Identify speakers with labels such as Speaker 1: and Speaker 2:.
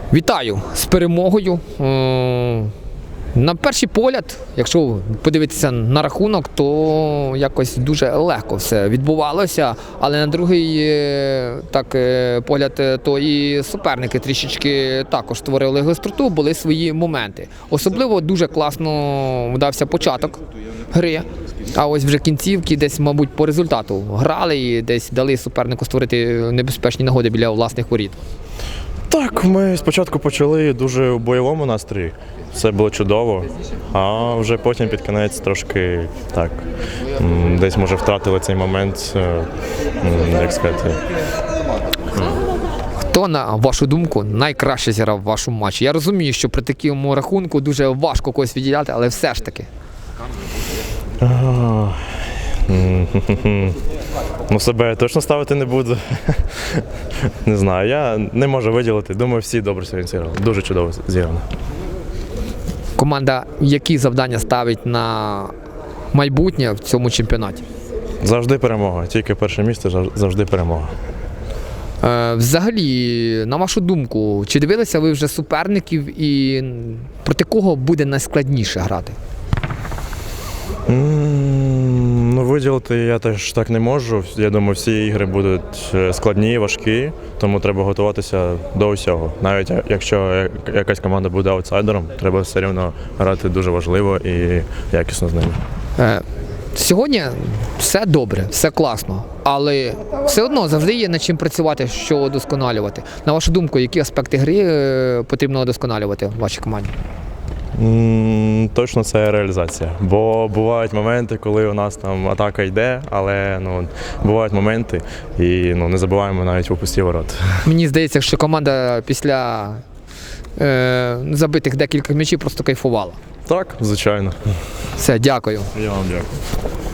Speaker 1: Вітаю з перемогою. На перший погляд, якщо подивитися на рахунок, то якось дуже легко все відбувалося, але на другий погляд, то і суперники трішечки також створили гостроту, були свої моменти. Особливо дуже класно вдався початок гри, а ось вже кінцівки десь, мабуть, по результату грали і десь дали супернику створити небезпечні нагоди біля власних воріт.
Speaker 2: Так, ми спочатку почали дуже у бойовому настрої, все було чудово, а вже потім під кінець трошки так, десь може втратили цей момент, як сказати.
Speaker 1: Хто, на вашу думку, найкраще зіграв в вашому матчі? Я розумію, що при такому рахунку дуже важко когось відділяти, але все ж таки.
Speaker 2: Ну, себе я точно ставити не буду. Не знаю, я не можу виділити. Думаю, всі добре сьогодні зіграли. Дуже чудово зіграно.
Speaker 1: Команда які завдання ставить на майбутнє в цьому чемпіонаті?
Speaker 2: Завжди перемога. Тільки перше місце, завжди перемога.
Speaker 1: Взагалі, на вашу думку, чи дивилися ви вже суперників і проти кого буде найскладніше грати?
Speaker 2: Ну, виділити я теж так не можу. Я думаю, всі ігри будуть складні, важкі, тому треба готуватися до усього. Навіть якщо якась команда буде аутсайдером, треба все рівно грати дуже важливо і якісно з ними.
Speaker 1: Сьогодні все добре, все класно, але все одно завжди є над чим працювати, що удосконалювати. На вашу думку, які аспекти гри потрібно удосконалювати в вашій команді?
Speaker 2: Точно це реалізація, бо бувають моменти, коли у нас там атака йде, але бувають моменти і не забуваємо навіть у пусті ворот.
Speaker 1: Мені здається, що команда після забитих декілька м'ячів просто кайфувала.
Speaker 2: Так, звичайно.
Speaker 1: Все, дякую.
Speaker 2: Я вам дякую.